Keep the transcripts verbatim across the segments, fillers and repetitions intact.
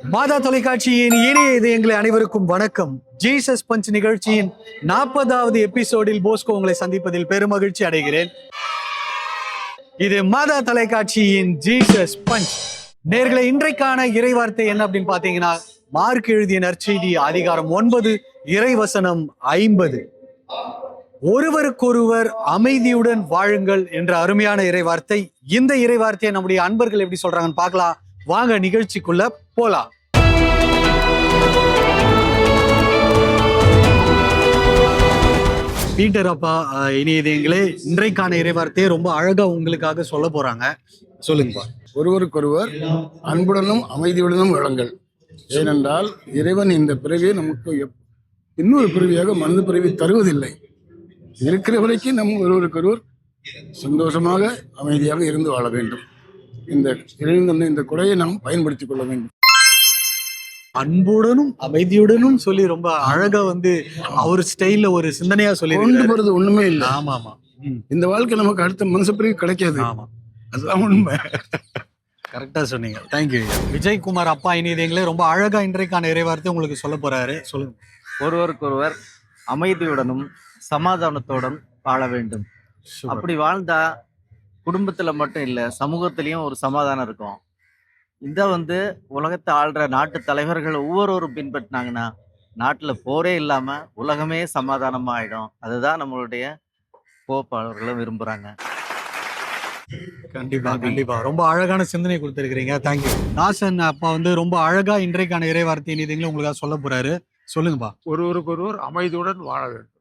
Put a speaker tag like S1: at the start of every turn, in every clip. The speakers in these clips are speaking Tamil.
S1: மாதா தொலைக்காட்சியின் இனிய இதயங்களை அனைவருக்கும் வணக்கம். ஜீசஸ் பஞ்ச் நிகழ்ச்சியின் நாற்பதாவது எபிசோடில் போஸ்கோ உங்களை சந்திப்பதில் பெருமகிழ்ச்சி அடைகிறேன். இது மாதா தொலைக்காட்சியின் ஜீசஸ் பஞ்ச். நேர்களை இன்றைக்கான இறைவார்த்தை என்ன அப்படின்னு பாத்தீங்கன்னா, மார்க் எழுதிய நற்செய்தி அதிகாரம் ஒன்பது இறைவசனம் ஐம்பது. ஒருவருக்கொருவர் அமைதியுடன் வாழுங்கள் என்ற அருமையான இறைவார்த்தை. இந்த இறைவார்த்தையை நம்முடைய அன்பர்கள் எப்படி சொல்றாங்கன்னு பார்க்கலாம். வாங்க நிகழ்ச்சிக்குள்ள போலாம். பீட்டர் அப்பா இனியதேங்களே, இன்றைக்கான இறைவார்த்தையை ரொம்ப அழகா உங்களுக்காக சொல்ல போறாங்க. சொல்லுங்கப்பா.
S2: ஒருவருக்கொருவர் அன்புடனும் அமைதியுடனும் வழங்கல். ஏனென்றால் இறைவன் இந்த பிறவியை நமக்கு இன்னொரு பிறவியாக மனித பிறவி தருவதில்லை. இருக்கிற வரைக்கும் நம்ம ஒருவருக்கொருவர் சந்தோஷமாக அமைதியாக இருந்து வாழ வேண்டும். இந்த இறைவன் இந்த கொடையை நாம் பயன்படுத்திக் கொள்ள வேண்டும்.
S1: அன்புடனும் அமைதியுடனும் சொல்லி ரொம்ப அழகா வந்து அவர் ஸ்டைல்ல ஒரு சிந்தனையா சொல்லி
S2: கொண்டு போறது ஒண்ணுமே இல்லை.
S1: ஆமா ஆமா.
S2: இந்த வாழ்க்கை நமக்கு அடுத்த மனுஷ பிறகு கிடைக்காது.
S1: ஆமா,
S2: அதுதான் உண்மை.
S1: கரெக்டா சொன்னீங்க. தேங்க்யூ. விஜயகுமார் அப்பா இனியதேங்களே ரொம்ப அழகா இன்றைக்கான இறைவார்த்தை உங்களுக்கு சொல்ல போறாரு. சொல்லுங்க.
S3: ஒருவருக்கொருவர் அமைதியுடனும் சமாதானத்தோடும் வாழ வேண்டும். அப்படி வாழ்ந்தா குடும்பத்துல மட்டும் இல்ல, சமூகத்திலயும் ஒரு சமாதானம் இருக்கும். இத வந்து உலகத்தை ஆள்ற நாட்டு தலைவர்கள் ஒவ்வொருவரும் பின்பற்றினாங்கன்னா நாட்டுல போரே இல்லாம உலகமே சமாதானமா ஆயிடும். அதுதான் நம்மளுடைய போப்பாளர்களும் விரும்புறாங்க.
S1: கண்டிப்பா கண்டிப்பா ரொம்ப அழகான சிந்தனை கொடுத்திருக்கிறீங்க. தேங்க்யூ. தாசன் அப்பா வந்து ரொம்ப அழகா இன்றைக்கான இறைவார்த்தை நீதிங்களை உங்களுக்காக சொல்ல போறாரு. சொல்லுங்கப்பா.
S4: ஒருவருக்கொருவர் அமைதியுடன் வாழ வேண்டும்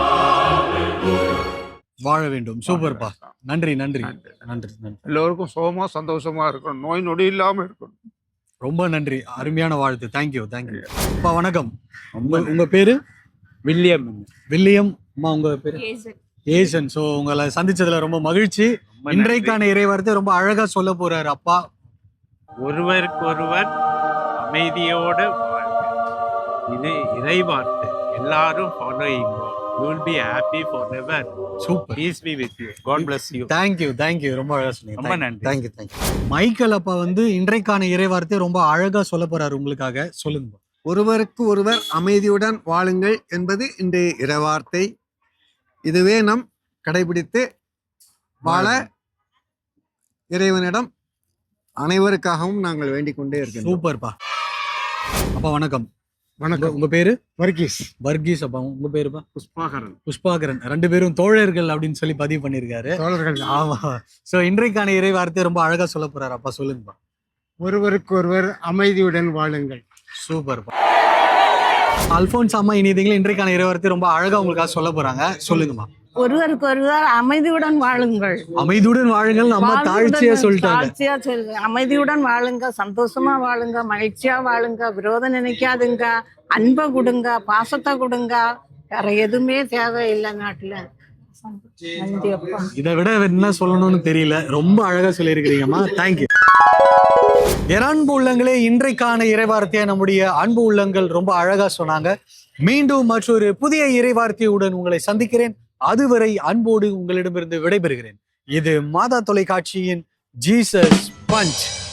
S1: வாழ வேண்டும். சூப்பர்ப்பா. நன்றி நன்றி நன்றி நன்றி.
S4: எல்லோருக்கும் சுகமா சந்தோஷமா இருக்கணும், நோய் நொடி இல்லாம இருக்கணும்.
S1: ரொம்ப நன்றி, அருமையான வாழ்த்து. Thank you thank you. அப்பா வணக்கம். உங்க உங்க பேரு?
S4: வில்லியம்.
S1: வில்லியம். அம்மா உங்க பேரு? ஏசன். ஸோ உங்களை சந்திச்சதுல ரொம்ப மகிழ்ச்சி. இன்றைக்கான இறைவார்த்தை ரொம்ப அழகா சொல்ல போறாரு அப்பா.
S5: ஒருவருக்கொருவர் அமைதியோடு வாழ்க. இது இறைவார்த்தை. எல்லாரும் following. You will be happy forever.
S1: Super.
S5: Peace be with you. God bless you.
S1: Thank you, thank you. ரொம்ப அழகா சொன்னீங்க.
S5: ரொம்ப நன்றி.
S1: Thank you, thank you. Michael அப்பா வந்து இன்றைக்கான இறைவார்த்தை ரொம்ப அழகா சொல்ல போறாரு உங்களுக்காக. சொல்லுங்க.
S6: ஒருவருக்கு ஒருவர் அமைதியுடன் வாழுங்கள் என்பது இன்றைய இறைவார்த்தை. இதுவே நம் கடைபிடித்து வாழ இறைவனிடம் அனைவருக்காகவும் நாங்கள் வேண்டிக் கொண்டே இருக்கோம்.
S1: சூப்பர்ப்பா. அப்பா வணக்கம்.
S6: வணக்கம்.
S1: உங்க பேரு?
S6: வர்கீஸ்.
S1: வர்கீஸ் அப்பா. உங்க பேருப்பா?
S4: புஷ்பாகரன்.
S1: புஷ்பாகரன். ரெண்டு பேரும் தோழர்கள் அப்படின்னு சொல்லி பதிவு பண்ணிருக்காரு.
S6: தோழர்கள்.
S1: ஆமா. சோ இன்றைக்கான இறை வார்த்தை ரொம்ப அழகா சொல்ல போறாரு அப்பா. சொல்லுங்கப்பா.
S6: ஒருவருக்கு ஒருவர் அமைதியுடன் வாழுங்கள்.
S1: சூப்பர்ப்பா. அல்போன்ஸ் அம்மா இனியதீங்களே இன்றைக்கான இறை வார்த்தை ரொம்ப அழகா உங்களுக்காக சொல்ல போறாங்க. சொல்லுங்கம்மா.
S7: ஒருவருக்கு ஒருவர் அமைதியுடன் வாழுங்கள்.
S1: அமைதியுடன் வாழுங்கள். நம்ம தாழ்ச்சியா சொல்லிட்டாங்க.
S7: தாழ்ச்சியா சொல்லுங்க. அமைதியுடன் வாழுங்க, சந்தோஷமா வாழுங்க, மகிழ்ச்சியா வாழுங்க, விரோதம் நினைக்காதுங்க, அன்பை கொடுங்க, பாசத்தை கொடுங்க. வேற எதுவுமே தேவையில்லை நாட்டுல. நன்றி அப்பா.
S1: இதை விட என்ன சொல்லணும்னு தெரியல. ரொம்ப அழகா சொல்லியிருக்கிறீங்கம்மா. தேங்க்யூ. அன்பு உள்ளங்களே, இன்றைக்கான இறைவார்த்தையை நம்முடைய அன்பு உள்ளங்கள் ரொம்ப அழகா சொன்னாங்க. மீண்டும் மற்றொரு புதிய இறைவார்த்தையுடன் உங்களை சந்திக்கிறேன். அதுவரை அன்போடு உங்களிடமிருந்து விடைபெறுகிறேன். இது மாதா தொலைக்காட்சியின் ஜீசஸ் பஞ்ச்.